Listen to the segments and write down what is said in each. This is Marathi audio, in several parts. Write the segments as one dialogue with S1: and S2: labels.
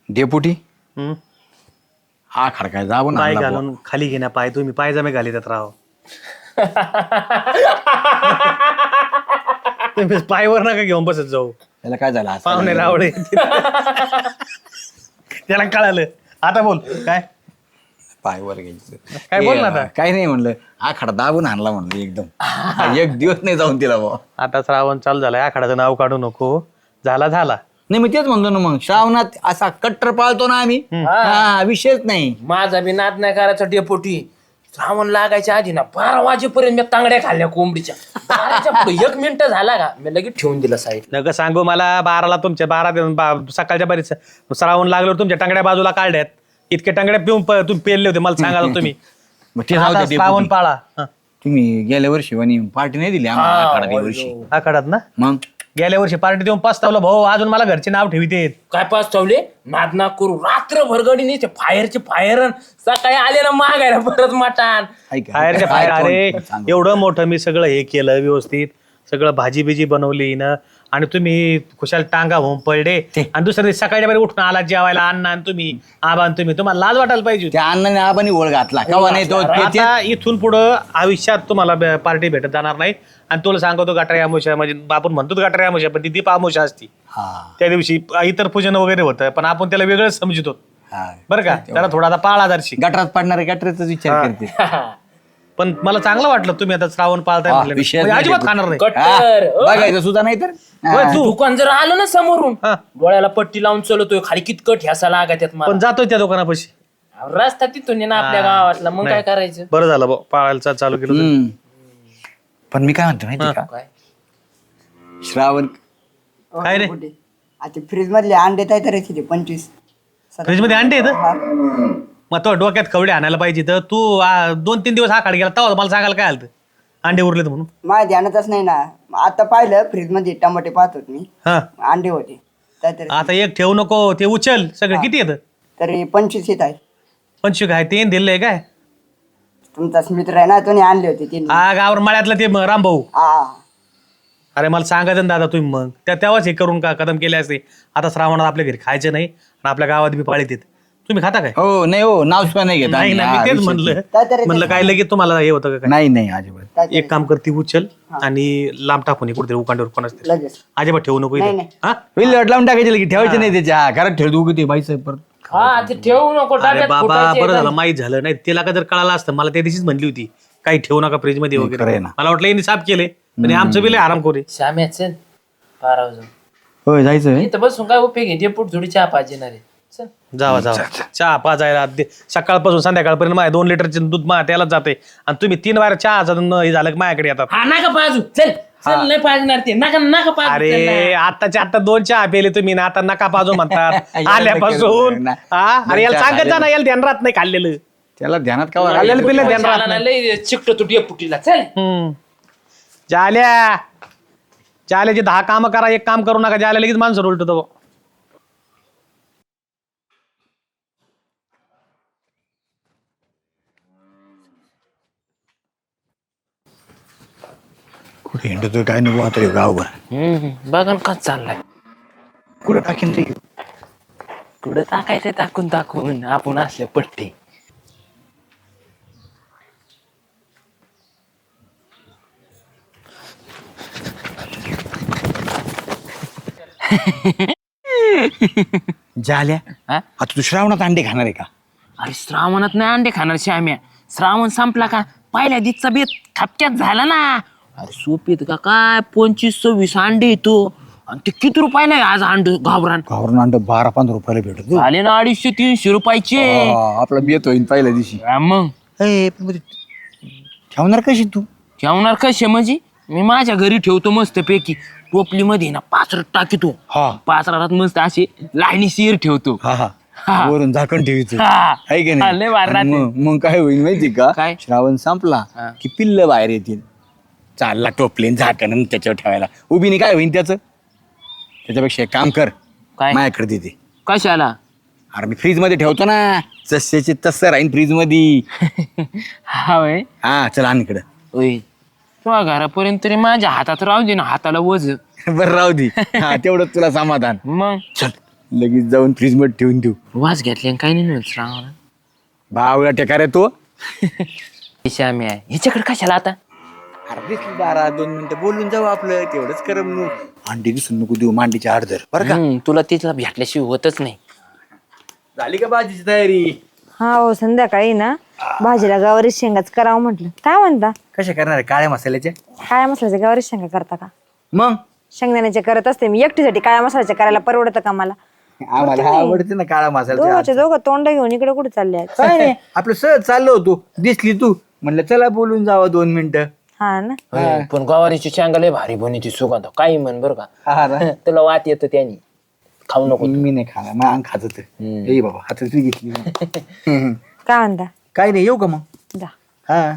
S1: डेपुटी
S2: हम्म?
S1: हा खडकाय जाऊ ना
S2: पाय
S1: आणला
S2: घालून खाली घेण्या पाय तुम्ही पायजामे घाली त्यात राव तुम्ही पायवर नका घेऊन बसत जाऊ
S1: बुवा. त्याला काय झालं हसायला
S2: पाहुणे
S1: लागलं.
S2: रावळे त्याला कळालं. आता बोल काय
S1: पायवर घ्यायचं
S2: काय बोल ना आता.
S1: काय नाही म्हणलं हा खडा दाबून आणला म्हणलं एकदम एक दिवस नाही जाऊन तिला बुवा.
S2: आता श्रावण चालू झालाय आखाडाचं नाव काढू नको. झाला
S1: नाही मी तेच म्हणतो ना मग श्रावणात असा कट्टर पाळतो ना आम्ही हा विषयच नाही.
S3: माझा बी नाद नाही करायचा डेपोटी. श्रावण लागायच्या आधी ना 12 वाजेपर्यंत मी तांगड्या खाल्ल्या कोंबडीच्या. 12च्या पुढे 1 मिनिट झाला का मी लगेच ठेवून दिला साईड.
S2: नका सांगू मला 12ला तुमच्या 12 सकाळच्या बरीच श्रावण लागल्यावर तुमच्या टांगड्या बाजूला काढल्यात. इतके टांगड्या पिऊन तुम्ही पेरले होते मला सांगाल तुम्ही.
S1: मग ते जाऊ
S2: आता
S1: दे
S2: श्रावण
S1: डेपुटी.
S2: पाळा हं.
S1: तुम्ही गेल्या वर्षी वनी पार्टी नाही दिली आम्हाला आखाडा त्या वर्षी
S2: आखाडात ना
S1: मग
S2: गेल्या वर्षी पार्टी देऊन पस्तावलं भाऊ अजून मला घरचे नाव ठेवितेत.
S3: काय पाच ठेवले नाद ना करू रात्रभर गडीने ते फायरचे फायर सकाळी आले ना मागायला परत मटान.
S1: ऐका.
S2: बाहेरच्या बाहेर
S1: काय
S2: अरे
S1: कोण सांगू?
S2: एवढं मोठं मी सगळं हे केलं व्यवस्थित सगळं भाजी बिजी बनवली ना आणि तुम्ही खुशाल टांगा होऊन पडले आणि दुसऱ्या दिवशी सकाळच्या बरी उठून आला जेवायला अण्णा आणि तुम्ही आबा आणि तुम्ही तुम्हाला लाज वाटायला पाहिजे होती.
S1: त्या अण्णाने आबानी ओळ घातला कवा नाही तो ते-
S2: आता इथून पुढं आयुष्यात तुम्हाला पार्टी भेटत जाणार नाही. आणि तुला सांगतो गटारी आमुषा म्हणजे आपण म्हणतो गटारी आमुषा पण ती दीप आमुषा असती.
S1: हा
S2: त्या दिवशी इतर पूजन वगैरे होतं पण आपण त्याला वेगळंच समजतो
S1: हा.
S2: बरं का. त्याला थोडा आता पाळा दर्शी.
S1: गटरात पडणारे गटराचा विचार करते
S2: पण मला चांगलं वाटलं तुम्ही आता श्रावण पाळताय
S1: हा,
S2: म्हटलं.
S1: विषयच
S2: म्हणजे
S1: नाही
S2: अजिबात
S1: ते.
S2: खाणार नाही.
S3: कट्टर
S1: बघायचं सुद्धा नाही तर
S2: होय, तू
S3: दुकान जर आलं ना समोरून
S2: हा.
S3: डोळ्याला पट्टी लावून चलतोय खाली कितकट ह्यासा लागायच्यात मला.
S2: पण जातोय त्या दुकानापाशी.
S3: रस्ता तिथून आहे ना आपल्या गावातला मग काय करायचं.
S2: बरं झालं भाऊ, पाळायला चालू केलं तुम्ही.
S1: हम्म. पण मी काय म्हणतो माहिती का
S3: काय
S1: श्रावण
S2: काय रे
S4: आता फ्रीज मधले अंडे काय करायचे ते 25
S2: फ्रीज मध्ये अंडे येतं मग तो डोक्यात खवडे आणायला पाहिजे तर तू 2-3 दिवस हा गेला तेव्हा मला सांगायला काय आलं अंडे उरलेत म्हणून.
S4: माझ्या ध्यानातच नाही ना. आता पाहिलं फ्रीज मध्ये टमाटे पाहत होत मी
S2: हा
S4: अंडे होते तर
S2: आता एक ठेवू नको ते उचल सगळं किती येतं.
S4: तरी 25 येत आहे.
S2: 25 काय ते दिलंय काय
S4: तुमचाच मित्र आहे ना तो आणले होते ते
S2: हा गावर मळ्यातलं ते रामभाऊ.
S4: हा
S2: अरे मला सांगायचं ना दादा तुम्ही मग तेव्हाच हे करून का कदम केले असते. आता श्रावणात आपल्या घरी खायचं नाही आणि आपल्या गावात बी पाळीत येत. तुम्ही खाता काय.
S1: हो नाही हो नाव सुद्धा नाही घेत
S2: नाही
S1: आम्ही.
S2: ना
S1: हा,
S2: मी तेच
S1: विषय
S2: म्हणलं
S4: काय तरी
S2: म्हणलं काय लगेच तुम्हाला हे होतं का काय.
S1: नाही नाही अजिबात
S2: एक काम करते उचल आणि लांब टाकून कुठेतरी उकांड्यावर कोणाच
S4: लगेच
S2: अजिबात ठेवू नको इथे.
S4: नाही.
S2: हा
S1: विल्हेवाट लावून टाकायचे की ठेवायचे नाही त्याच्या घरात ठेवतो उगी ते बाईचं परत
S3: हा ते ठेवू नको
S2: अरे
S3: डब्यात
S2: बाबा
S3: फुटायचे
S2: बरं
S3: एकदम.
S2: झालं माहीत झालं नाही तिला का जर कळालं असतं मला त्या दिवशीच म्हणली होती काही ठेवू नका फ्रीज मध्ये
S1: खरं
S2: वगैरे.
S1: आहे ना.
S2: मला वाटलं यांनी साफ केले पण हे आमचं बिल आराम करू.
S3: श्याम्या चल 12 वाजून
S1: होय जायचं
S3: इथं बसून काय उपयोग आहे डेपूट थोडी चहा पाहिजे ना रे. चल
S2: जावा चहा पाजायला सकाळपासून संध्याकाळपर्यंत माझ्या 2 लिटरचे दूध माझ्या त्यालाच जाते आणि तुम्ही 3 वार चहा हे झालं की माझ्याकडे येतात.
S3: हा नका पाजू चल चल नाही पाजणार ते नका नका पाजू चल
S2: अरे
S3: ना.
S2: आत्ताच्या आता 2 चहा पेले तुम्ही ना आता नका पाजू म्हणतात आल्यापासून. हा अरे याला सांगत जा ना याला ध्यान राहत नाही खाल्लेलं.
S1: त्याला ध्यानात का
S2: खाल्लेलं पिल्लं ध्यान राहत
S3: चहाला ना
S2: नाही.
S3: लय चिकट तू डेपुटीला चल.
S2: जाल्याचे 10 काम करा एक काम करू नका. जाल्या लगेच माणसं उलटतो.
S1: कुठे हिंडतोय काय नको आता ह्यो गावभर
S3: बघा ना कसं चाललाय.
S1: कुठं टाकीन ते
S3: कुठं टाकायचं टाकून टाकून आपण असले पट्टे.
S1: झाल्या
S3: हा?
S1: आता तू श्रावणात अंडे खाणार आहे का.
S3: अरे श्रावणात नाही अंडे खाणार श्याम्या. श्रावण संपला का पहिल्या दिवसचा बेत खपक्यात झाला ना. अरे सोपीत का काय 25-26 अंडे येतो आणि ते किती रुपयाला आहे आज अंड घाबरान.
S1: गावरून अंड 12-15 रुपयाला भेटत
S3: झाले ना 250-300 रुपयाचे.
S1: आपला बेत होईल पहिल्या दिवशी.
S3: हा मग
S1: ठेवणार कशी तू
S3: ठेवणार कसे म्हणजे मी माझ्या घरी ठेवतो मस्त पैकी टोपली मध्ये ना पाचरट टाकीतो.
S1: हा
S3: पाचरात मस्त असे लाईनी शिर ठेवतो.
S1: हा हा वरून झाकण ठेवीचं
S3: हा.
S1: आहे की
S3: हा, लय भारी
S1: नाही
S3: राहते.
S1: मग काय होईल माहिती का
S3: काय?
S1: श्रावण संपला
S3: हा.
S1: की पिल्ल बाहेर येतील. चालला टोपलीन झाकण आणि त्याच्यावर ठेवायला उभीने काय होईल त्याचं. त्याच्यापेक्षा एक काम कर
S3: काय?
S1: माझ्याकडे देते.
S3: कशाला.
S1: अरे मी फ्रीज मध्ये ठेवतो ना जसचे तसं राहीन फ्रीज मध्ये.
S3: हा वय
S1: हा चल आण इकडं.
S3: ओय तुझ्या घरापर्यंत तरी माझ्या हातात राहू दे ना हाताला वज.
S1: बरं राहू दे हा तेवढं तुला समाधान.
S3: मग
S1: चल लगेच जाऊन फ्रीज मध्ये ठेवून देऊ.
S3: वास घेतले काही नाही मिळत श्रावणाला.
S1: भावला टेका रे तो.
S3: श्याम्या ह्याच्याकडे कशाला आता?
S1: अरे दिसली दारा 2 मिनिटं बोलून जाऊ आपलं तेवढंच करम नु. अंडी दिसून नको देऊ मांडीच्या अर्धर बरं का.
S3: तुला तिथला भेटल्याशिवाय होतच नाही.
S1: झाली का भाजीची तयारी?
S5: हा हो संध्याकाळी ना भाजीला गावारी शेंगाच करावं म्हटलं. काय म्हणता?
S1: कशा करणार आहे? काळ्या मसाल्याच्या?
S5: काळ्या मसाल्याच्या गावारी शेंगा करता का?
S1: मग
S5: शेंगदाण्याचे करत असते मी एकटीसाठी. काळ्या मसाल्याच्या करायला परवडतं का मला?
S1: आम्हाला आवडते ना काळा मसाला.
S5: दोघांचे दोघं तोंड घेऊन इकडे कुठे चालले आहेत?
S1: काय नाही आपलं सहज चाललो होतो दिसली तू म्हणलं चला बोलून जावं 2 मिनिटं.
S5: हा ना.
S3: होय, पण गवारीची शेंगा लय भारी बनी सुगंध काही म्हण बरं का.
S1: हा ना.
S3: तुला वाट येतं त्यानी. खाऊ नको.
S1: मी नाही खाणार मग अंग खात ए बाबा हातात घेतली.
S5: काय म्हणता?
S1: काय नाही येऊ का मग?
S5: जा.
S1: हा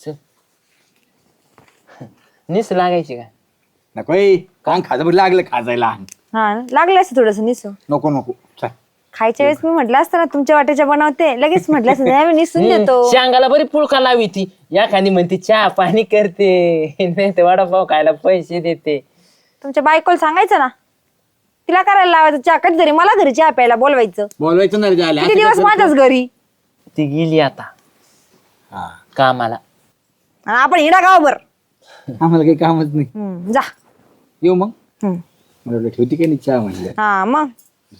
S3: निस लागायची का?
S1: नको अंग खाज लागलं खाजायला अंग.
S5: हा ना लागलं असं थोडस निसू.
S1: नको नको चल.
S5: खायच्या वेळेस मी म्हटलं असतं ना तुमच्या वाट्याच्या बनवते लगेच म्हटलं असतं नाही, आम्ही निसून देतो.
S3: शेंगाला बरी पुळका लावी ती या खाली म्हणते चहा पाणी करते नाही तर वडापाव खायला पैसे देते.
S5: तुमच्या बायकोला सांगायचं ना तिला करायला लावायचं चहा. कधीतरी मला घरी चहा प्यायला बोलवायचं.
S1: बोलवायचं नाही झालं.
S5: किती दिवस माझ्याच घरी
S3: ती गेली आता कामाला.
S5: आणि आपण हिडा गावभर.
S1: आम्हाला काही कामच नाही.
S5: जा.
S1: येऊ मग.
S5: हम्म.
S1: मला वाटलं ठेवती काही नाही चहा म्हणलं.
S5: हा मग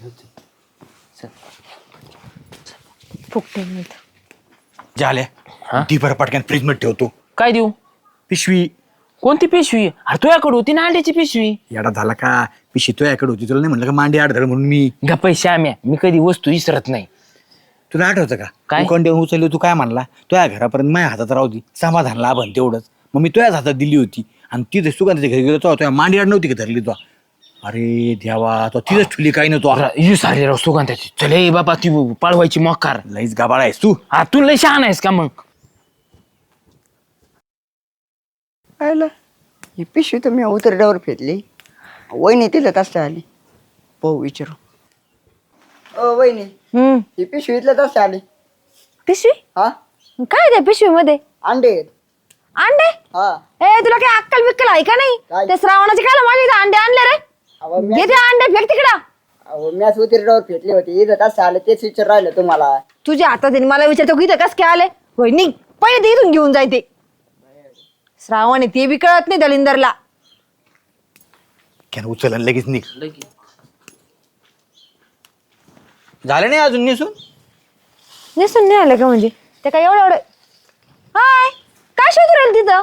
S5: फुकटे नाही तर.
S1: झाल्या ती बरं पटकन फ्रीज मध्ये ठेवतो.
S3: काय देऊ?
S1: पिशवी.
S3: कोणती पिशवी? अरे तुझ्याकडे होती ना अंड्याची पिशवी.
S1: येडा झाला का? पिशवी तुझ्याकडे होती तुला नाही म्हणलं का मांडी आडधड म्हणून मी.
S3: गप्पा श्याम्या मी कधी वस्तू विसरत नाही.
S1: तुला आठवतं का?
S3: काय?
S1: उकंड्यावर उचलली तू काय म्हणला तुझ्या घरापर्यंत माझ्या हातात राहू दे समाधान लाभन तेवढंच. मग मी तुझ्याच हातात दिली होती आणि तिथे सुगंधाच्या घरी गेलो तुझ्या मांडी आड नव्हती का धरली तो. अरे देवा तो तिथेच ठुली काही नव्हतो.
S3: सारे राव सुगंधाची. चले बाबा ती पाळवायची मकार.
S1: लईच गाबाळ आहेस तू.
S3: हा तू लय शहाण आहेस का मग?
S4: पाहिलं ही पिशवी तर मी उतरड्यावर फेकली. वहिनी तिला तसं आली. पाहू विचारू. ओ वहिनी ही पिशवी इथलं तसं आली.
S5: पिशवी?
S4: हा
S5: काय त्या पिशवी मध्ये?
S4: अंडे आहेत.
S5: अंडे?
S4: हा
S5: ए तुला काय अक्कल बिक्कल आहे का नाही?
S4: काय?
S5: त्या श्रावणाचे काय माझ्या इथं अंडे आणले रे?
S4: अहो
S5: घे ते अंडे फेक तिकडं.
S4: मॅच उतरड्यावर फेकली होती इथं तसं आलं तेच विचार राहिलं तुम्हाला.
S5: तुझ्या हातात आहे, मला विचारतो की इथं कस काय आले? होय निघ पहिले ते इथून घेऊन जाय ते. श्रावण आहे ते बी कळत नाही दलिंदरला.
S1: क्या उचल आणि लगेच निघ. झालं नाही अजून निसून?
S5: नेसून नाही आलं का म्हणजे? ते काय एवढं एवढं. हाय काय शोधू राहील तिथं?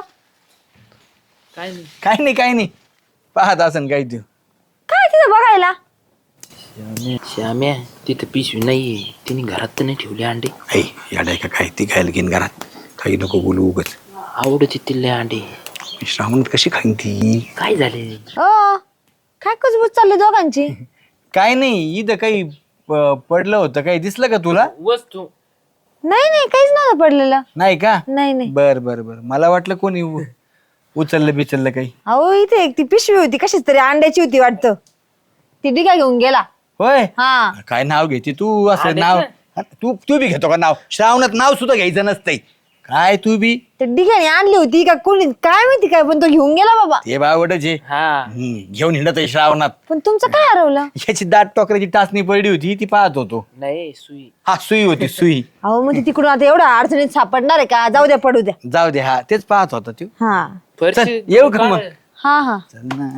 S1: काय नाही पाहत असन काय तू.
S5: काय तिथं बघायला?
S3: श्याम्या तिथं पिशवी नाहीये. तिने घरात तर नाही ठेवले अंडे.
S1: याडाय का काय ती खायला घेईन घरात. काही नको बोलू उगच.
S3: आवडत तिथले अंडे.
S1: श्रावण कशी खाईन ती?
S3: काय झाले?
S5: ओ काय कुजबूज चालली दोघांची?
S1: काय नाही इथं काही पडलं होतं काही दिसलं का तुला?
S3: वस्तू
S5: नाही नाही काहीच नव्हतं पडलेलं.
S1: नाही का?
S5: नाही नाही.
S1: बर मला वाटलं कोणी उचललं बिचललं काही.
S5: अहो इथे एक ती पिशवी होती कशीच तरी अंड्याची होती वाटतं. ती डिगा घेऊन गेला.
S1: होय
S5: हा
S1: काय नाव घेते तू असं नाव? तू बी घेतो का नाव? श्रावणात नाव सुद्धा घ्यायचं नसतंय काय तू बी.
S5: ते डिगाने आणली होती का कोणी काय माहिती काय पण तो घेऊन गेला बाबा.
S1: ते बावडच आहे.
S3: हा
S1: घेऊन हिंडत आहे श्रावणात.
S5: पण तुमचं काय हरवलं?
S1: याची दाट टोकऱ्याची टाचणी पडली होती ती पाहत होतो.
S3: नाही सुई.
S1: हा सुई होती सुई.
S5: अहो मग ती तिकडून आता एवढ्या अडचणीत सापडणार आहे का? जाऊ द्या पडू द्या.
S1: जाऊ दे हा तेच पाहत होता तू.
S5: हा
S1: चल येऊ का मग?
S5: हा हा
S1: चल ना.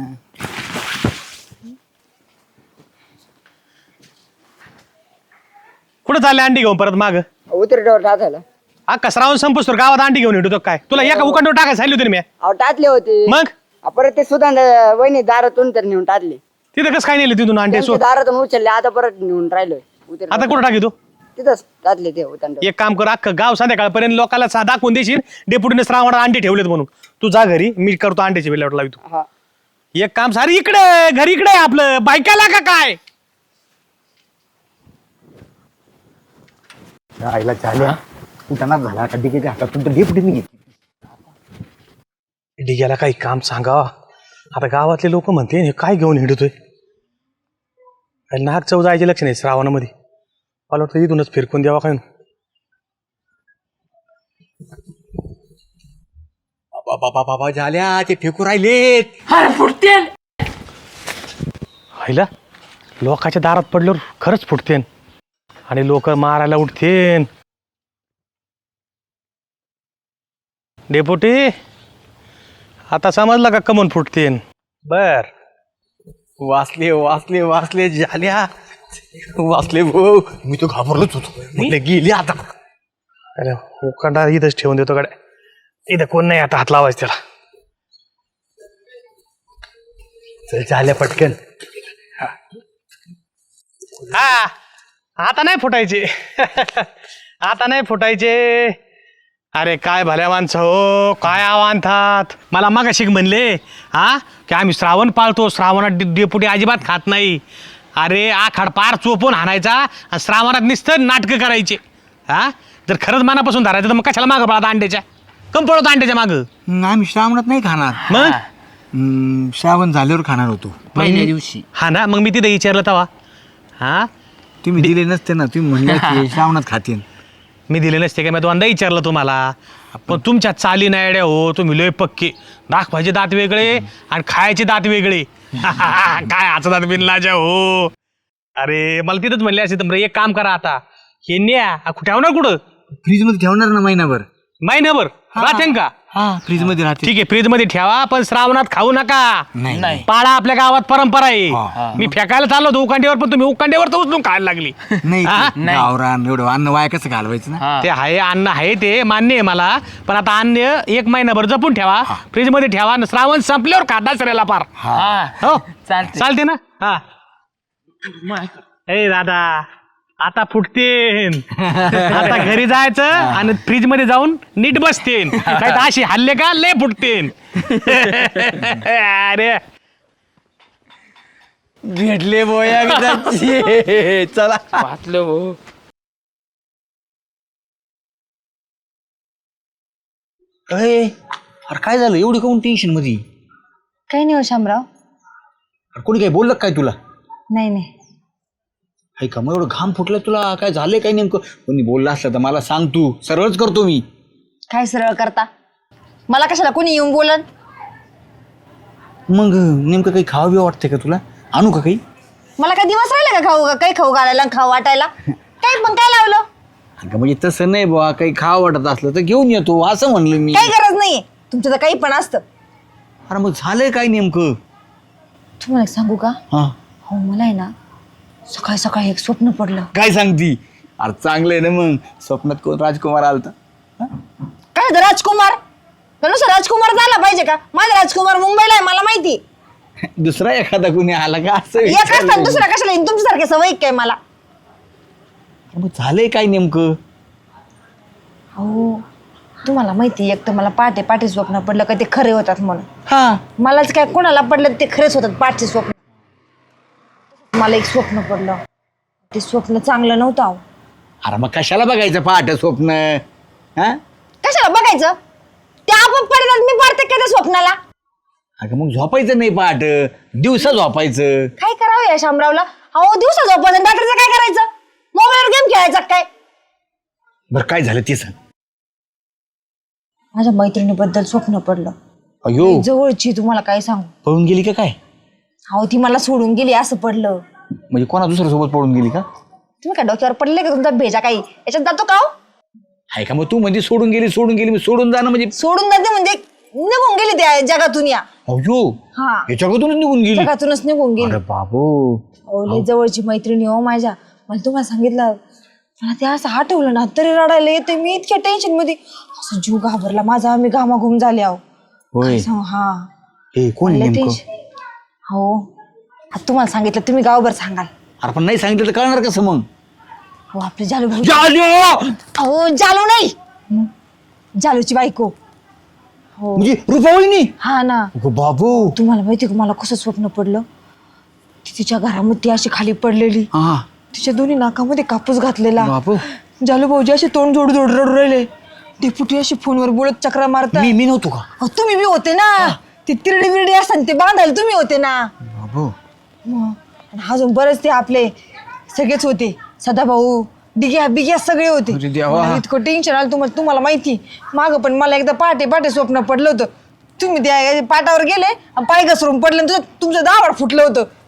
S2: कुठं चालले अंडी घेऊन परत माग?
S4: उतरड्यावर टाकायला.
S2: अख्खा श्रावण संपूस तर गावात अंडी घेऊन येतो काय? तुला एका उकांडवर टाकायला सांगितलं होतं ना मी.
S4: अहो टाकले होते.
S2: मग
S4: परत ते सुद्धा वहिनी दारातून तर नेऊन टाकले.
S2: तिथं कसं काय नेलं तिथून अंडे?
S4: त्यांच्या दारातून उचलले आता परत नेऊन राहिलोय.
S2: आता कुठं टाकी तू?
S4: तिथंच टाकले ते उतरड्यावर.
S2: एक काम कर, अख्खं गाव संध्याकाळपर्यंत लोकांना दाखवून देशील डेपुटीने श्रावणात अंडे ठेवलेत म्हणून. तू जा घरी, मी करतो अंड्याची बिल्लाट लावतो.
S4: हा
S2: एक काम सारी इकडे घरी इकडे आहे आपलं. बायकाला का काय?
S1: आईला झाल्या उठाणार झाला का डिगेच्या हातातून तर डेपुटीने घेतली.
S2: डिग्याला काही काम सांगा. आता गावातले लोक म्हणते हे काय घेऊन हिंडतोय? नाग चव जायचे लक्ष नाही श्रावणामध्ये. मला वाटतं इथूनच फिरकून द्यावा काय.
S1: बाबा झाल्या ते फेकू राहिलेत.
S3: अरे फुटतेल.
S2: हायला लोकांच्या दारात पडल्यावर खरंच फुटतेन आणि लोक मारायला उठतेन. डेपुटी आता समजलं का कमून फुटतेन. बर
S1: वाचले वाचले वाचले झाल्या वाचले भाऊ. मी तो घाबरलोच होतो म्हटलं गेली आता.
S2: अरे उकांडा इथंच ठेवून देतो कडे. इथं कोण नाही आता हात लावायचं त्याला.
S1: चल झाल्या पटकन.
S2: हा आता नाही फुटायचे. आता नाही फुटायचे. अरे काय भल्या माणसं हो, काय आव्हानतात. मला मागाशी म्हणले हा की आम्ही श्रावण पाळतो, श्रावणात डेपुटी अजिबात खात नाही. अरे आखाड पार चोपून हाणायचा आणि श्रावणात नुसतं नाटकं करायचे. हा जर खरंच मनापासून धरायचं तर मग कशाला मागं पळत अंड्याच्या. कम पळतो अंड्याच्या मागं.
S1: आम्ही श्रावणात नाही खाणार.
S2: मग
S1: श्रावण झाल्यावर खाणार होतो.
S3: पहिल्या दिवशी.
S2: हा ना मग मी तिथे विचारलं तवा. हा
S1: तुम्ही दिले नसते ना. तुम्ही म्हणले श्रावणात खातील.
S2: मी दिले नसते का. मी दोनदा विचारलं तुम्हाला. पण तुमच्या चाली नायड्या हो. तुम्ही लय पक्के. दाखवायचे दात वेगळे आणि खायचे दात वेगळे. काय हाचा दात बिनलाजा हो. अरे मला तिथंच म्हणले असे तर एक काम करा आता हे न्या. ठेवणार कुठं.
S1: फ्रीज मध्ये ठेवणार ना महिनाभर.
S2: महिनाभर राहते का.
S1: हा फ्रीज मध्ये राहते.
S2: ठीक आहे फ्रीज मध्ये ठेवा पण श्रावणात खाऊ नका.
S1: नाही
S2: पाळा आपल्या गावात परंपरा आहे.
S1: हा.
S2: मी फेकायला चाललो होतो उकांड्यावर पण तुम्ही उकांड्यावर तर उचलून खायला लागली.
S1: नाही
S2: हा?
S1: गावरान एवढं अन्न वाया कसं घालवायचं ना.
S2: ते आहे अन्न आहे ते मान्य आहे मला. पण आता अन्न एक महिनाभर जपून ठेवा. फ्रीज मध्ये ठेवा आणि श्रावण संपल्यावर खाता सरेला पार.
S3: हा
S2: हो
S3: चालते.
S2: चालते ना. हा ए दादा आता फुटतेन. आता घरी जायचं आणि फ्रीज मध्ये जाऊन नीट बसतेन. काय तर अशी हल्ले का लय फुटतेन. अरे
S1: भेटले बोया चला.
S3: वाचलं हो.
S1: अरे काय झालं एवढी काऊन टेन्शन मध्ये.
S5: काही नाही हो शामराव.
S1: अरे कोणी काय बोललं काय तुला.
S5: नाही नाही.
S1: हाय का मग एवढं घाम फुटलं तुला. काय झालंय काय नेमकं. कोणी बोललं असलं तर मला सांग. तू सरळच करतो मी.
S5: काय सरळ करता. मला कशाला कोणी येऊन बोलन.
S1: मग नेमकं काही खावं बी वाटतंय का तुला. आणू का काही.
S5: मला काय दिवस राहिले का खाऊ काही खाऊ घालायला खाऊ वाटायला. काही पण काय लावलं.
S1: अगं म्हणजे तसं नाही बुवा. काही खावं वाटत असलं तर घेऊन येतो असं म्हणलं मी.
S5: काही गरज नाहीये तुमचं तर काही पण असतं.
S1: अरे मग झालंय काय नेमकं.
S5: तुम्हाला एक सांगू का.
S1: हा
S5: हो मला आहे ना सकाळी सकाळी एक स्वप्न पडलं.
S1: काय सांगती. अरे चांगलंय ना मग. स्वप्नात कोण राजकुमार आलता.
S5: काय होतं राजकुमार. नुसतं राजकुमार झाला पाहिजे का. माझा राजकुमार मुंबईला आहे मला माहिती.
S1: दुसरा एखादा कोणी आला का असं
S5: एक
S1: विचारलं
S5: असताना
S1: मी.
S5: दुसरा कशाला येईन तुमच्यासारखे सवय काय मला.
S1: अरे मग झालंय काय नेमकं.
S5: हो तुम्हाला माहिती एक तर मला पहाटे पहाटे स्वप्न पडलं का ते खरे होतात म्हणून.
S1: हा
S5: मलाच काय कोणाला पडलं ते खरेच होतात पाठचे स्वप्न. मला एक स्वप्न पडलं. ते स्वप्न चांगलं नव्हतं अहो.
S1: अरे मग कशाला बघायचं पहाट स्वप्न. हा
S5: कशाला बघायचं. ते आपण पडतात मी पडते का त्या स्वप्नाला.
S1: अगं मग झोपायचं नाही पहाट. दिवसा झोपायचं.
S5: काय करावं या शामरावला. अहो दिवसा झोपायचं रात्रीचं काय करायचं. मोबाईलवर गेम खेळायचा काय.
S1: बरं काय झालं ते सांग.
S5: माझ्या मैत्रिणीबद्दल स्वप्न पडलं.
S1: अयो
S5: जवळची तुम्हाला काय सांगू.
S1: पळून गेली का काय.
S5: अहो ती मला सोडून गेली असं पडलं.
S1: म्हणजे कोणा दुसऱ्या सोबत पळून गेली का.
S5: तुम्ही काय डोक्यावर पडले का तुमचा भेजा काही याच्यात जातो का हो?
S1: आहे का मग तू म्हणजे सोडून गेली मी सोडून जाणं म्हणजे.
S5: सोडून जाते म्हणजे निघून गेली त्या जगातून या.
S1: अयो
S5: हा
S1: याच्याकडूनच निघून गेली.
S5: जगातूनच निघून गेली.
S1: अरे बाबू.
S5: अहो लय जवळची मैत्रिणी हो माझ्या. मला तुम्हाला सांगितलं मला ते असं आठवलं ना तरी रडायला येते. मी इतक्या टेन्शन मध्ये असं जीव घाबरला माझा. मी घामाघूम झाले अहो.
S1: होय
S5: काय सांगू. हा
S1: हे कोण
S5: लय
S1: नेमकं.
S5: टेन्शन. हो आता तुम्हाला सांगितलं तुम्ही गावभर सांगाल.
S1: अरे पण नाही सांगितलं तर कळणार कसं मग.
S5: हो आपले जालू भाऊ.
S1: जालू!
S5: अहो जालू नाही जालूची बायको. हो
S1: म्हणजे रुपावळीनी.
S5: हा ना.
S1: अगं बाबू.
S5: तुम्हाला माहिती का मला कसं स्वप्न पडलं. ती तिच्या घरामध्ये अशी खाली पडलेली.
S1: हा
S5: तिच्या दोन्ही नाकामध्ये कापूस घातलेला.
S1: बाबू
S5: जालू भाऊजी असे तोंड जोड जोड रडू राहिले. डेपुटी अशी फोनवर बोलत चक्रा मारता.
S1: मी नव्हतो का.
S5: अहो, तुम्ही बी होते ना. ती तिरडी बिरडी असतात ते बांधायला तुम्ही होते ना.
S1: बाबू
S5: मग आणि अजून बरेच ते आपले सगळेच होते. सदाभाऊ डिग्या बिग्या सगळे होते.
S1: अरे देवा.
S5: मला इतकं टेन्शन आलं तुम्हाला माहिती. मागं पण मला एकदा पहाटे पहाटे स्वप्न पडलं होतं. तुम्ही त्या पाटावर गेले आणि पाय घसरून पडले तुमचं दावड फुटलं होतं.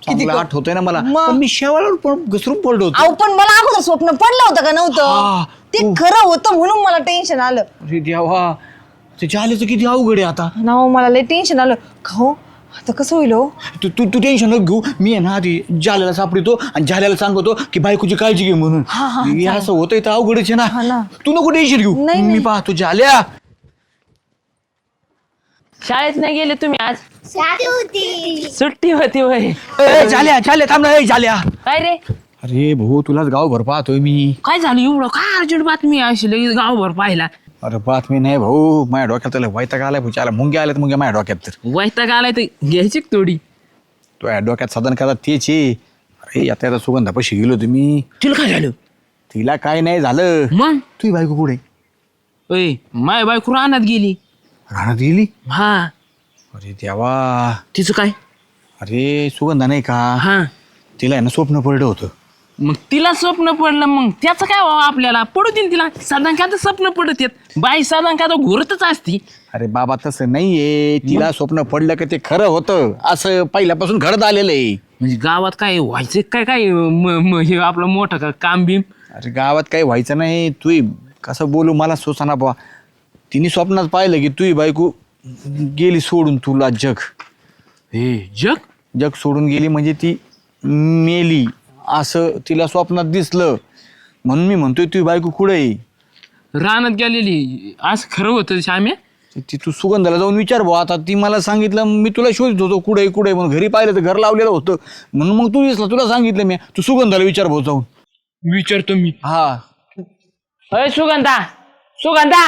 S1: चांगलं आठवतंय ना मला
S5: मग?
S1: पण मी शेवाळावर पण घसरून पडलो होतो
S5: अहो पण मला अगोदर स्वप्न पडलं होतं का
S1: हा,
S5: नव्हतं ते खरं होतं म्हणून मला टेन्शन आलं
S1: अरे देवा ते जालेचं किती अवघड आहे आता
S5: ना हो, मला लय टेन्शन आलं खाऊ आता कसं होईल हो
S1: तू तू तू टेन्शन नको घेऊ मी आहे ना आधी जाल्याला सापडतो आणि जाल्याला सांगतो की बायकोची काळजी घे म्हणून हे असं होतंय तर अवघडच आहे
S5: हा
S1: ना
S5: ना.
S1: तू नको टेन्शन घेऊ
S5: नाही,
S1: मी
S5: नाही.
S1: पाहतो जाल्या
S3: शाळेत नाही गेले तुम्ही आज सुट्टी होती वय
S1: ए, जाल्या जाल्या थांब ना ए, जाल्या
S3: काय रे
S1: अरे भाऊ तुलाच गावभर पाहतोय मी
S3: काय झालं एवढं काय अर्जंट बातमी अशी लगेच गावभर पाहिला
S1: अरे बातमी नाही भाऊ माझ्या डोक्यात त्याला वैताग आलाय भाऊ आला मुंग्या आल्यात मुंग्या माझ्या डोक्यात तर
S3: वैताग आलाय तर घ्यायची का थोडी
S1: तो या डोक्यात साधन करा तेच आहे अरे आता सुगंधापाशी गेलो तुम्ही
S3: तुला काय झालं
S1: तिला काय नाही झालं
S3: मग
S1: तुझी बायको कुठे
S3: ओय माय बायको रानात गेली
S1: राहण्यात गेली
S3: हा
S1: अरे देवा
S3: तिचं काय
S1: अरे सुगंधा नाही का
S3: हा
S1: तिला आहे ना स्वप्न पडलं होतं
S3: मग तिला स्वप्न पडलं मग त्याचं काय व्हावं आपल्याला पडू दे ना तिला साधारण स्वप्न पडत येत बाई साधारण घोरतच असती
S1: अरे बाबा तसं नाहीये तिला स्वप्न पडलं का ते खरं होतं असं पहिल्यापासून घडत आलेलं आहे
S3: म्हणजे गावात काय व्हायचं काय काय हे आपलं मोठं का काम बिम
S1: अरे गावात काही व्हायचं नाही तू कसं बोलू मला सोसाना बा तिने स्वप्नात पाहिलं की तुझी बायको गेली सोडून तुला जग
S3: हे जग
S1: जग सोडून गेली म्हणजे ती मेली असं तिला स्वप्नात दिसलं म्हणून मी म्हणतोय तुझी बायको कुठे आहे
S3: रानात गेलेली आज खरं होतं श्याम्या
S1: ती तू सुगंधाला जाऊन विचार भाऊ आता ती मला सांगितलं मी तुला शोधत होतो कुठे कुठे म्हणून घरी पाहिलं तर घर लावलेलं होतं म्हणून मग तू दिसला तुला सांगितलं मी तू सुगंधाला विचार भाऊ जाऊन
S3: विचारतो मी
S1: हा
S3: अय सुगंधा सुगंधा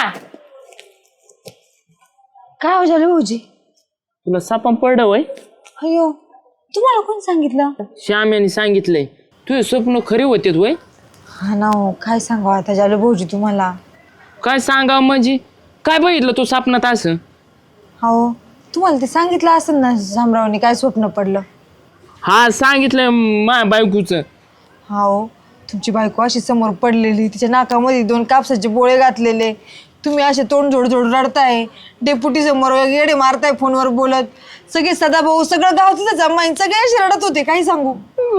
S5: काय हो झालं भाऊजी
S3: तुला सापम पडलं वय
S5: अयो तुम्हाला कोण सांगितलं
S3: श्याम्याने सांगितलंय तुझे स्वप्न खरे होते वय
S5: हा ना हो काय सांगावं आता झालं भाऊजी तुम्हाला
S3: काय सांगावं म्हणजे काय बघितलं तू स्वप्नात असं
S5: हो तुम्हाला ते सांगितलं असेल ना शामरावने काय स्वप्न पडलं
S3: हा सांगितलंय माझ्या बायकोचं
S5: हो तुमची बायको अशी समोर पडलेली तिच्या नाकामध्ये 2 कापसाचे बोळे घातलेले तुम्ही असे तोंड जोड रडताय डेप्युटी समोर येडे मारताय फोनवर बोलत सगळे सदाभाऊ सगळं गाव तिथं जमा सगळे असे रडत होते काही सांगू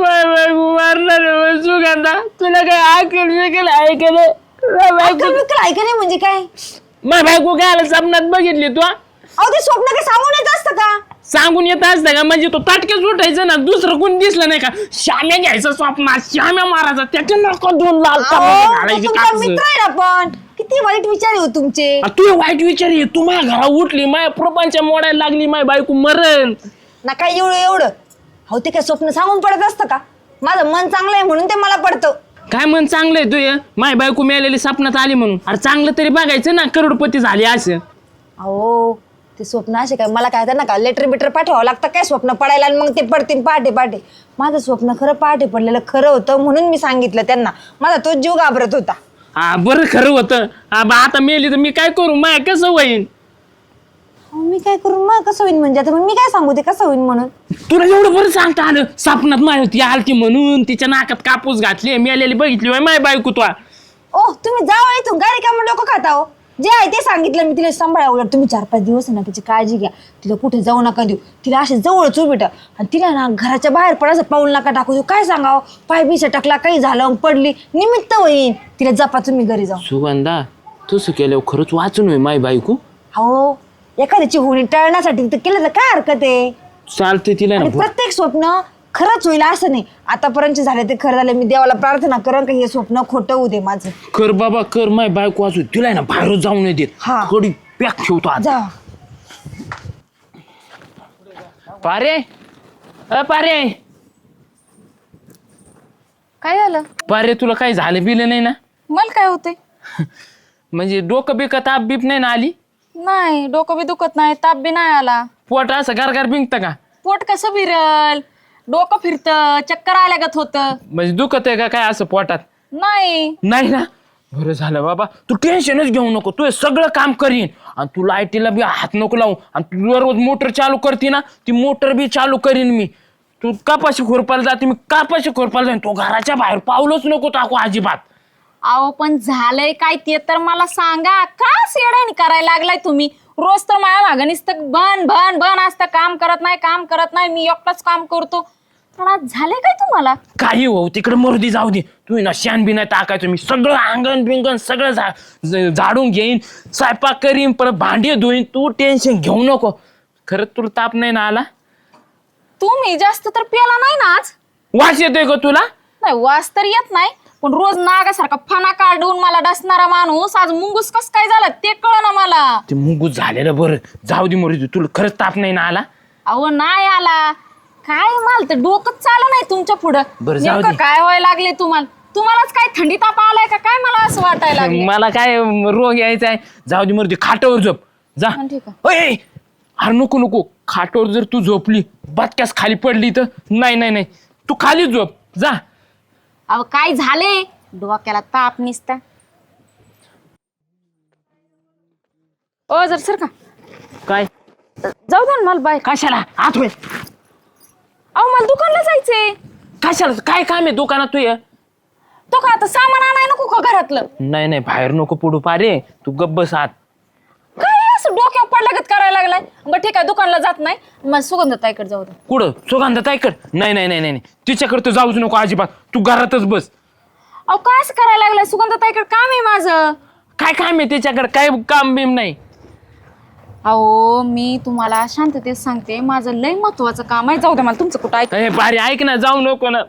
S3: मारणार सुगंधा तुला काय ऐकलं ऐकलं
S5: अक्कल बिक्कल ऐका नाही म्हणजे काय
S3: माझ्या बायको काय आलं स्वप्नात बघितली तू
S5: अहो ते स्वप्न काय सांगून येत असतं का
S3: सांगून येत असतं का म्हणजे तो ताटकेच उठायचं ना दुसरं कोण दिसलं नाही का श्याम्या घ्यायचं स्वप्नात श्याम्या मारायचा त्याच्या नको 2 लाल
S5: अहो,
S3: तांबडे
S5: तो
S3: घालायचे
S5: तुमचा
S3: कापसं.
S5: मित्र आहे ना पण किती वाईट विचार आहे हो तुमचे
S3: तू वाईट विचार आहे तू माझ्या घरा उठली माझ्या प्रपंच मोडायला लागली माझी बायको मरण
S5: ना काय एवढं हो ते काय स्वप्न सांगून पडत असतं का माझं मन चांगलं आहे म्हणून ते मला पडतं
S3: काय मन चांगलं आहे तुझं माझी बायको मिळालेली स्वप्नात आली म्हणून अरे चांगलं तरी बघायचं ना करोडपती झाली असं
S5: अहो ते स्वप्न असे काय मला काय ना का लेटर बिटर पाठवावं लागतं काय स्वप्न पडायला आणि मग ते पडतील पहाटे माझं स्वप्न खरं पहाटे पडलेलं खरं होतं म्हणून मी सांगितलं त्यांना माझा तो जीव घाबरत होता
S3: हा बरं खरं होतं आता मेली तर मी काय करू माय कसं होईन
S5: अहो, मी काय करू मग कसं होईन म्हणजे आता मग मी काय सांगू ते कसं होईन म्हणून
S3: तुला एवढं बरं सांगता आलं स्वप्नात माय होती आलती म्हणून तिच्या नाकात कापूस घातली मेलेली बघितली होय माय बायको तू
S5: ओ तुम्ही जावं इथून काय रिकामं डोकं खाता हो जे आहे ते सांगितलं मी तिला सांभाळा उलट तुम्ही 4-5 दिवस आहे ना तिची काळजी घ्या तिला कुठे जाऊ नका देऊ तिला असे जवळच उभे ठेवा आणि तिला ना घराच्या बाहेर पडायचं पाऊल नका टाकू देऊ काय सांगावं पाय बिशा टाकला काही झालं पडली निमित्त होईन तिला जपा तुम्ही घरी जाऊ
S3: सुगंधा तसं केल्यावर खरंच वाचून होय माय बायको
S5: हो एखाद्याची होणी टळण्यासाठी तर केलं तर काय हरकत आहे
S3: चालते तिला
S5: आणि
S3: ना
S5: प्रत्येक स्वप्न खरंच होईल असं नाही आतापर्यंत झाले ते खरं झाले मी देवाला प्रार्थना करेन का हे स्वप्न खोटं होऊ दे माझं
S3: कर बाबा कर माय बायको वाचू तिला आहे ना बाहेर जाऊ नाही देत
S5: हा.
S3: कडी पॅक ठेवतो आज
S5: जा
S3: पारे पारे
S6: काय झालं
S3: पारे तुला काही झालं बिलं नाही ना
S6: मला काय होते
S3: म्हणजे डोकं बिकं ताप बीप नाही ना आली
S6: नाही डोकं बी दुखत नाही ताप बी नाही आला
S3: पोट असं गारगार बिंकतं का
S6: पोट कसं फिरल डोकं फिरतं चक्कर आल्यागत होतं
S3: म्हणजे दुखत आहे का काय असं पोटात
S6: नाही
S3: नाही ना बरं झालं बाबा तू टेन्शनच घेऊ नको तू हे सगळं काम करीन आणि तू लाईटीला बी हात नको लावू आणि तू रोज मोटर चालू करते ना ती मोटर बी चालू करीन मी तू कापाशी खोरपाला जाते मी कापाशी खोरपाला जाईन तो घराच्या बाहेर पावलंच नको टाकू अजिबात
S6: अहो पण झालंय काय ते तर मला सांगा का सेडानी करायला लागलाय तुम्ही रोज तर माझ्या मागं नुसतं बन असतं काम करत नाही मी एकटाच काम करतो पण आज झाले काय तुम्हाला?
S3: काही हो तिकडे मरुदी जाऊ दे. तुम्ही ना शान बी नाही टाकायचं. मी सगळं अंगण बिंगण सगळं झाडून घेईन, स्वयंपाक करीन, परत भांडी धुईन. तू टेन्शन घेऊ नको. खरंच तुला ताप नाही ना आला?
S6: तुम्ही जास्त तर प्याला नाही ना आज?
S3: वास येतोय का तुला?
S6: नाही वास तर येत नाही, पण रोज नागासारखा फणा काढून मला डसणारा माणूस आज मुंगूस कस काय झाला ते कळ ना मला.
S3: ते मुंगूस झालेलं बरं. जाऊ दे मरुदी. तुला खरंच ताप नाही ना आला?
S6: अहो नाही आला. काय मला तर डोकंच चालू नाही तुमच्या पुढं.
S3: बरं, जाऊ
S6: नेमकं
S3: दे.
S6: काय व्हायला लागले तुम्हालाच काय थंडी ताप आलाय का काय मला असं वाटायला लागले.
S3: मला काय रोग यायचा आहे. जाऊ दे मरुदी. खाटावर झोप जा.
S6: हा, ठीक आहे.
S3: ओय, अरे नको नको. खाटावर जर तू झोपली बटक्यास खाली पडली तर नाही नाही नाही. तू खाली झोप जा.
S6: अहो काय झाले डोक्याला ताप निसता. ओ जर सर का
S3: काय
S6: जाऊ द्या ना मला बाय.
S3: कशाला आत होय?
S6: अहो मला दुकानला जायचंय.
S3: कशाला काय काम आहे दुकानात तू ये?
S6: तो का आता सामान आणाय नको का घरातलं?
S3: नाही नाही बाहेर नको पडू पारे. तू गप्प बस आत.
S6: काय असं डोक्यावर पडल्यागत करायला लागलाय. बरं ठीक आहे दुकानला जात नाही. मला सुगंधताईकडे जाऊ दे.
S3: कुठं सुगंधाताईकड? नाही नाही नाही नाही नाही. तिच्याकडे तर जाऊच नको अजिबात. तू घरातच बस.
S6: अहो काय असं करायला लागलाय. सुगंधताईकडे काम आहे माझं.
S3: काय काम आहे त्याच्याकडे? काय काम बिम नाही.
S6: अहो मी तुम्हाला शांततेत सांगते माझं लय महत्वाचं काम आहे. जाऊ दे मला तुमचं कुठं ऐक.
S3: ए पारे ऐक ना. जाऊ नको ना.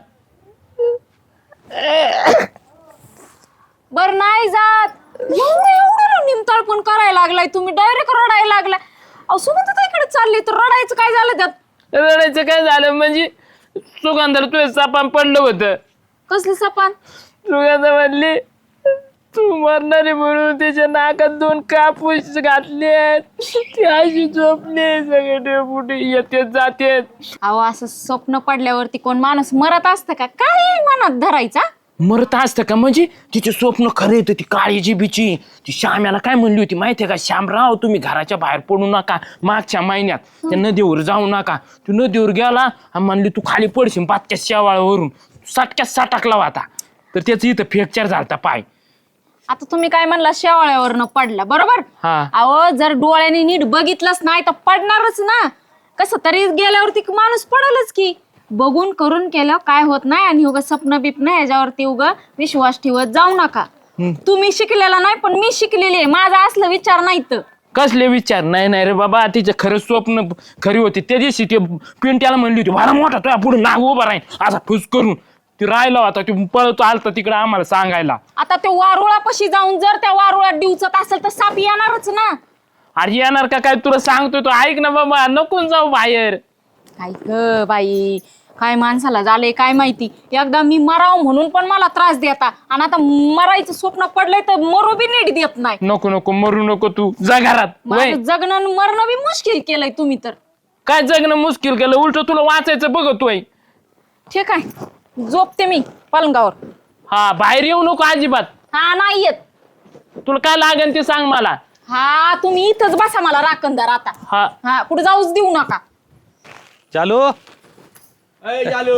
S6: बर नाही जात. एवढं निमताळ पण करायला लागलाय तुम्ही. डायरेक्ट रडायला लागलाय. अहो सुगंधताईकडे चालली तर रडायचं काय झालं त्यात?
S3: रडायचं काय झालं म्हणजे? सुगंधाला तुझं सापान पडलं होतं.
S6: कसली सपान?
S3: सुगंधा म्हणली तू मरणारे म्हणून त्याच्या नाकात 2 कापूस घातले. ती अशी झोपली. सगळे डेपुटी येतेच जातेत.
S6: अहो असं स्वप्न पडल्यावरती कोण माणूस मरत असतं का? काय मनात धरायचा?
S3: मरत असतं का म्हणजे? तिचे स्वप्न खरे येतं. ती काळीची बिची. ती श्याम्याला काय म्हणली होती माहितीये का? श्यामराव तुम्ही घराच्या बाहेर पडू नका मागच्या महिन्यात. त्या नदीवर जाऊ नका. तू नदीवर गेला आणि म्हणली तू खाली पडशील बातक्या शेवाळावरून. सटक्यात सटकला होता. तर त्याचं इथं फ्रॅक्चर झालता पाय.
S6: आता तुम्ही काय म्हणला शेवाळ्यावरनं पडला बरोबर.
S3: हा.
S6: अहो जर डोळ्याने नीट बघितलंच नाही तर पडणारच ना. कसं तरी गेल्यावरती माणूस पडलच की. बघून करून केलं काय होत नाही. आणि उगा स्वप्न बिप्न याच्यावरती उगा विश्वास ठेवत जाऊ नका. तुम्ही शिकलेला नाही पण मी शिकलेली आहे. माझा असलं विचार नाही तर.
S3: कसले विचार? नाही नाही रे बाबा. तिचं खरं स्वप्न खरी होती. त्या दिवशी ते पिंट्याला म्हणली होती भारा मोठा तुझ्या पुढे नाग उभा राहील असा फुस करून. ती राहिला होता. ती पळत आलता तिकडे आम्हाला सांगायला.
S6: आता ते वारुळापाशी जाऊन जर त्या वारुळात डिवचत असेल तर साप येणारच ना.
S3: अरे येणार का काय तुला सांगतोय तो. ऐक ना बाबा नको जाऊ बाहेर.
S6: काय ग बाई काय माणसाला झालंय काय माहिती. एकदा मी मराव म्हणून पण मला त्रास देता आणि आता मरायचं स्वप्न पडलंय तर मरू बी नीट देत नाही.
S3: नको नको मरू नको. तू जा घरात. वय.
S6: माझं जगणं आणि मरणं बी मुश्किल केलंय तुम्ही तर.
S3: काय जगणं मुश्किल केलं? उलट तुला वाचायचं बघतोय.
S6: ठीक आहे झोपते मी पलंगावर.
S3: हा बाहेर येऊ नको अजिबात.
S6: हा नाही येत.
S3: तुला काय लागेल ते सांग मला.
S6: हा तुम्ही इथंच बसा मला राखणदार आता.
S3: हा
S6: हा कुठे जाऊच देऊ नका.
S2: चालू चालू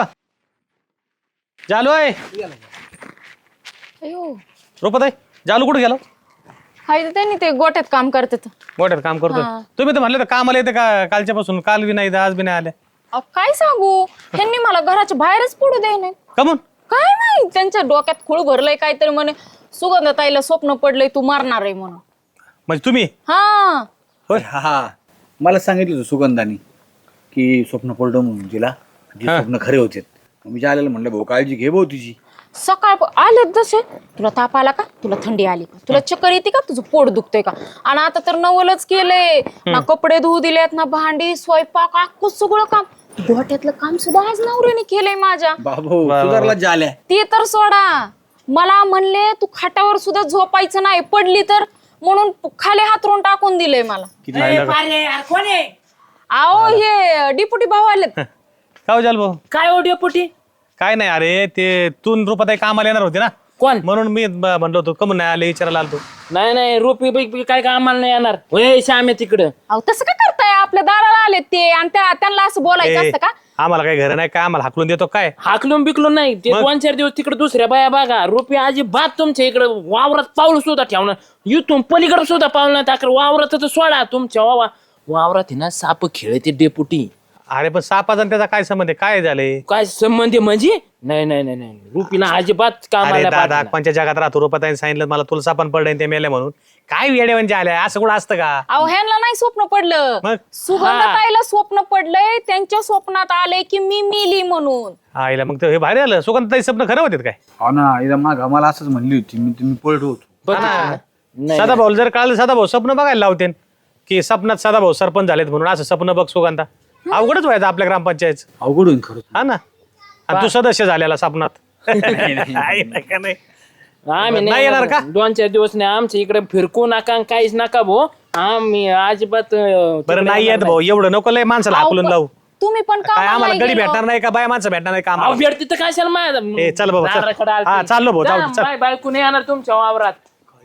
S2: चालू आहे.
S6: अयो
S2: रोपत आहे. जालू कुठे गेलो?
S6: हाय त्यांनी ते गोट्यात काम करतात.
S2: मोठ्यात काम करतोय.
S6: हा.
S2: तुम्ही तर म्हणले तर कामाला येते का कालच्या पासून? काल बी नाही आज बी नाही आले.
S6: अहो काय सांगू ह्यांनी मला घराच्या बाहेरच पडू दे नाही.
S2: कमून?
S6: काय नाही त्यांच्या डोक्यात खूळ भरलंय काहीतरी म्हणे सुगंधताईला स्वप्न पडलंय तू मारणार आहे म्हणून.
S2: म्हणजे तुम्ही?
S6: हा
S1: होय हा. मला सांगितलं होतं सुगंधानी की स्वप्न पडलं म्हणून तिला. ती स्वप्न खरे होते. मी आलेलं म्हणलं भाऊ काळजी घे भाऊ तुझी.
S6: सकाळ आले जसे तुला ताप आला का? तुला थंडी आली का? तुला चक्कर येते का? तुझं पोट दुखतंय का? आणि आता तर नवलच केलंय ना. कपडे धुवू दिलेत ना भांडी स्वयंपाक अख्खं सगळं काम. गोट्यातलं काम सुद्धा आज नवऱ्याने केलंय माझ्या.
S1: बाबू सुधारला झाल्या.
S6: ते तर सोडा. मला म्हणले तू खाटावर सुद्धा झोपायचं नाही पडली तर म्हणून खाली हातरून टाकून दिलंय मला. आओ हे डिपुटी भाऊ आलेत.
S2: काय हो जाल भाऊ?
S3: काय ओढ्या पोटी?
S2: काय नाही अरे ते तून रुपाताई कामाला येणार होते ना.
S3: कोण?
S2: म्हणून मी म्हणलो होतो कमून नाही आले विचारायला आलतो.
S3: नाही नाही रोपी बैकी काय कामाला नाही येणार. होय श्याम्या तिकडं.
S6: अहो तसं काय करताय? आपल्या दाराला आलेत ते आणि त्यांना असं बोलायचं असतं का?
S2: आम्हाला काही घर नाही काय आम्हाला हाकलून देतो काय?
S3: हाकलून बिकलून नाही. ते 2-4 दिवस तिकडे दुसऱ्या बाया बघा. रोपी अजिबात तुमच्या इकडे वावरात पाऊल सुद्धा ठेवणार. इथून पलीकडे सुद्धा पाऊल नाही टाकर. वावरात सोडा तुमच्या वावरात आहे ना साप खेळते डेपुटी.
S2: अरे पण सापाचा आणि त्याचा काय संबंध आहे? काय झाले?
S3: काय संबंध आहे म्हणजे? नाही नाही नाही नाही रुपीला अजिबात
S2: अरे
S3: कामाला
S2: दादा
S3: पाठवणार.
S2: कोणत्या जगात राहतो रुपाताईने सांगितलं मला तुला सापण पडलं ते मेले म्हणून. काय वेडे म्हणजे आले असं कुठं असतं का?
S6: अहो ह्यांना नाही स्वप्न पडलं,
S2: मग?
S6: सुगंधताईला स्वप्न पडलंय. त्यांच्या स्वप्नात आलंय की मी मेली म्हणून.
S2: आईला मग ते हे भारी आलं. सुगंधताई स्वप्न खरं होते काय?
S1: हो ना इथं माग मला असंच म्हणली होती मी पळत होतो.
S3: बघितलं ना?
S2: सदा भाऊ जर कळलं सदा भाऊ स्वप्न बघायला लावते की स्वप्नात सदा भाऊ सरपंच झालेत म्हणून असं स्वप्न बघ सुगंधा. अवघडच व्हायचं आपल्या ग्रामपंचायत.
S1: अवघड होईल खरं.
S2: हा ना. आणि तू सदस्य झालेला स्वप्नात. आहे का नाही?
S3: आम्ही
S2: नाही येणार का?
S3: 2-4 दिवस नाही आमच्या इकडे फिरकू नका आणि काहीच नका भाऊ. आम्ही अजिबात
S2: बरं नाही येत भाऊ एवढं नको लय माणसाला हाकलून लावू.
S6: तुम्ही पण
S2: काय
S6: कामाला
S2: आम्हाला
S6: नाही
S2: गडी
S6: गेलो.
S2: भेटणार नाही का बाया माणसं भेटणार नाही का आम्हाला?
S3: भेटते तर कशाला माझ्या
S2: ए, चल बाबा, चल.
S3: दाराकडे आलती.
S2: हा, चाललो भाऊ, जाऊ दे,
S3: जा,
S2: चल.
S3: बाय बायको नाही येणार तुमच्या वावरात.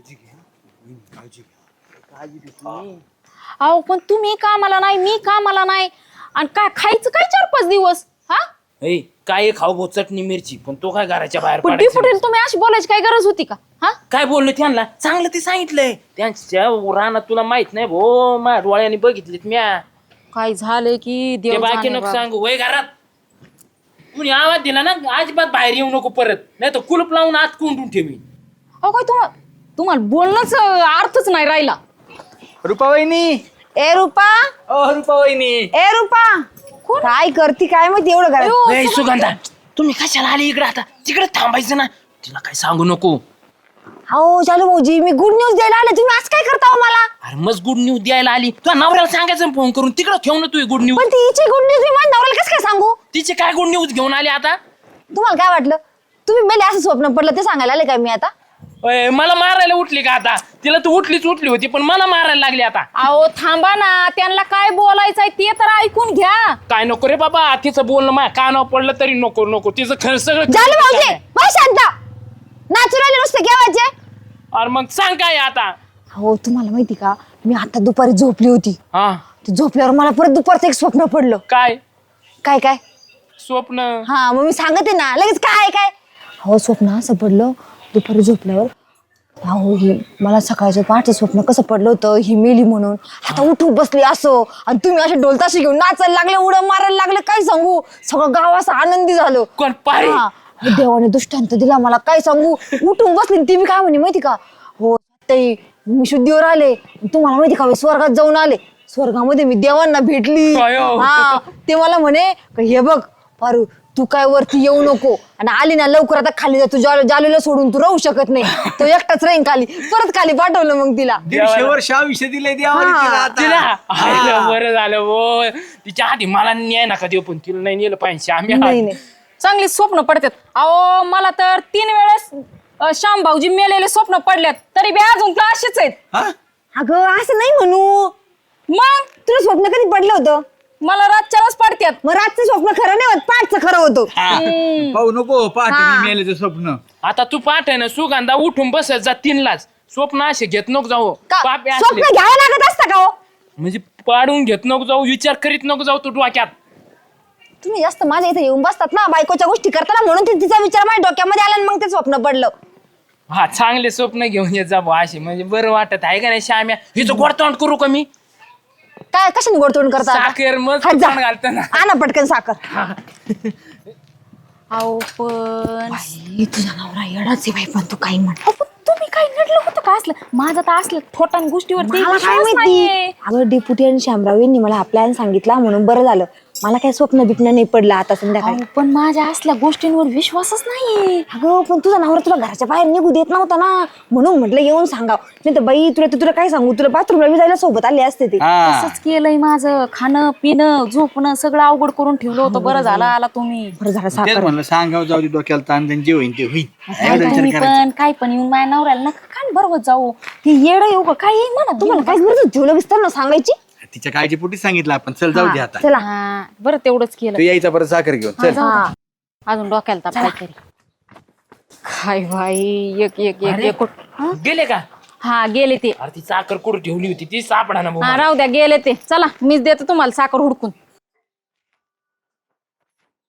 S6: अहो पण तुम्ही कामाला नाही, मी कामाला नाही, आणि काय खायचं काय 4-5 दिवस? हा
S3: ए, काय खाऊ भाऊ चटणी मिरची पण तो काय घराच्या बाहेर
S6: पण
S3: पडायचा?
S6: डिपुटीला तुम्ही अशी बोलायची काय गरज होती का? हा
S3: काय बोललो त्यांना? चांगलं ते सांगितलंय. त्यांच्या रानात तुला माहित नाही भो माझ्या डोळ्याने बघितलेत म्या.
S6: काय झालंय की
S3: ते
S6: देव
S3: बाकी
S6: जाणे
S3: नको
S6: बाबा.
S3: सांगू वय घरात. कुणी आवाज दिला ना अजिबात बाहेर येऊ नको परत, नाही तर कुलूप लावून आत कोंडून ठेवी.
S6: अहो काय तुम्हाला बोलणंच अर्थच नाही राहिला.
S1: रुपाबाईनी
S5: ए रुपा,
S1: रुपाबाईनी
S5: ए रुपा, काय करती काय माहिती एवढं घरात?
S6: अयो,
S3: ए, सुगंधा तुम्ही कशाला आले इकडे? आता तिकडे थांबायचं ना. तिला काय सांगू नको.
S5: हो चालू भाऊजी, मी गुड न्यूज द्यायला आले, तुम्ही आज काय करता हो मला?
S3: अरे मस्त गुड न्यूज द्यायला आली. तुझ्या नवऱ्याला सांगायचं फोन करून तिकडे ठेव ना तू गुड न्यूज.
S5: पण तिची गुड न्यूज मी माझ्या नवऱ्याला कसं काय सांगू?
S3: तिचे काय गुड न्यूज घेऊन आली आता?
S5: तुम्हाला काय वाटलं? तुम्ही मेले असं स्वप्न पडलं ते सांगायला आले काय मी आता?
S3: ओय, मला मारायला उठली का आता? तिला तू उठली होती पण मला मारायला लागली आता.
S6: अहो थांबा ना, त्यांना काय बोलायचंय ते तर ऐकून घ्या.
S3: काय नको रे बाबा, तिचं बोलणं माझ्या कानावर पडलं तरी नको नको. तिचं खरं सगळं
S5: झालं भाऊजी, बस शांत. नॅचरली नुसते घ्यावायचे.
S3: अरे मग सांग काय आता?
S5: हो तुम्हाला माहिती का, मी आता दुपारी झोपली होती.
S3: हा
S5: ते झोपल्यावर मला परत दुपारचं एक स्वप्न पडलं.
S3: काय
S5: काय काय?
S3: स्वप्न?
S5: हा मग मी सांगते ना लगेच. काय काय? हो स्वप्न असं पडलं दुपारी झोपल्यावर. अहो हे मला सकाळचं पहाटे स्वप्न कसं पडलं होतं, ही मेली म्हणून. आता उठून बसली असं, आणि तुम्ही असे ढोलताशी घेऊन नाचायला लागले, उड्या मारायला लागले. काय सांगू, सगळं गाव असं आनंदी झालं.
S3: कोण पारे?
S5: हा, देवाने दृष्टांत दिला मला. काय सांगू, उठून बसली. ती मी काय म्हणे माहिती का, हो ताई मी शुद्धीवर आले, तुम्हाला माहिती का मी स्वर्गात जाऊन आले. स्वर्गामध्ये मी देवांना भेटली.
S3: अयो.
S5: हा ते मला म्हणे का, हे बघ पारू तू काय वरती येऊ नको, आणि आली ना लवकर आता खाली जा. तू जालूला सोडून तू राहू शकत नाही. तो एकटाच राहीन खाली. परत खाली पाठवलं मग तिला.
S1: 150 वर्ष आयुष्य दिले देवाने तिला आता.
S3: तिला आईला बरं झालं वो. तिच्या आधी मला न्याय नका देऊ, पण तिला नाही नेलं पाहिजे. आम्ही
S5: नाही नाही
S6: चांगली स्वप्न पडतात. अहो मला तर 3 वेळेस श्याम भाऊजी मेलेले स्वप्न पडल्यात, तरी बी अजून तर असेच आहेत.
S1: हा?
S5: अगं असं नाही म्हणू.
S6: मग
S5: तुला स्वप्न कधी पडलं होतं?
S6: मला रातच्यालाच पडत्यात.
S5: मग रातचं स्वप्न खरं नाही होत, पाठचं खरं होतं.
S1: पाहू नको पहाटे
S5: हा.
S1: मी मेल्याचं स्वप्न.
S3: आता तू पाठ आहे ना सुगंधा, उठून बसत जा 3लाच. स्वप्न असे घेत नको जाऊ.
S5: का
S3: पापी असले.
S5: स्वप्न घ्यावं लागत असतं का हो?
S3: म्हणजे पाडून घेत नको जाऊ, विचार करीत नको जाऊ तू डोक्यात.
S5: तुम्ही जास्त माझ्या इथे येऊन बसतात ना बायकोच्या गोष्टी करताना, म्हणून तिचा विचार माझ्या डोक्यामध्ये आला आणि मग ते स्वप्न पडलं.
S3: हा चांगले स्वप्न घेऊन येत जा बुवा असे, म्हणजे बरं वाटत आहे का नाही श्याम्या? हिचं गोडतोंड करू का मी?
S5: काय कशाने गोडतोड करता?
S3: साखर मग
S5: हात जा.
S3: तोंड घालताना.
S5: आणा पटकन साखर.
S6: अहो पण
S5: बाई, तुझा नवरा येडाच आहे बाई, पण तू काही म्हण.
S6: अहो, पण तुम्ही काय नडलं होतं का असलं? माझं तर असलं थोटान गोष्टीवरती
S5: मला काय
S6: विश्वास
S5: माहिती.
S6: नाहीये.
S5: अगं डेप्युटी आणि शामराव यांनी मला हा प्लॅन सांगितला म्हणून बरं झालं. मला काय स्वप्न बिप्न नाही पडलं आता संध्याकाळी.
S6: अहो, पण माझ्या असल्या गोष्टींवर विश्वासच नाहीये.
S5: अगं पण तुझा नवरा तुला घराच्या बाहेर निघू देत नव्हता ना, म्हणून म्हटलं येऊन सांगाव. नाही तर बाई तुला काय सांगू, तुला बाथरूमला जायला सोबत आले असते ते.
S1: हा.
S6: तसंच केलंय माझं. खाणं पिणं झोपणं सगळं अवघड करून ठेवलं होतं. बरं झालं आला तुम्ही.
S5: बरं झालं
S1: तेच
S5: साखर.
S1: म्हणलं सांगाव जाऊ दे डोक्याला ताण, त्यांनी जे होईल ते होईल. एवढं विचार
S6: तुम्ही
S1: करायचा.
S6: पण काय पण येऊन माझ्या नवऱ्याला नका कान बरोबर जाऊ. हे येडं येऊ का काय येईल म्हणा
S5: तुम्हाला काय गरज ठेवलं विस्तार ना सांगायची.
S1: तिच्या काळजीपोटी सांगितलं आपण. चल जाऊ दे आता.
S5: चला.
S6: हा, बरं तेवढंच केलं.
S1: तू यायचा परत साखर घेऊन चल.
S5: हा.
S6: अजून डोक्याला ताप काहीतरी. काय भाई एक एक एक एक हा?
S3: गेले का?
S6: हा गेले ते.
S3: अरे ती साखर कुठं ठेवली होती ती सापडा ना
S6: हा
S3: बुवा.
S6: राहू द्या गेले ते. चला मीच देते तुम्हाला साखर हुडकून.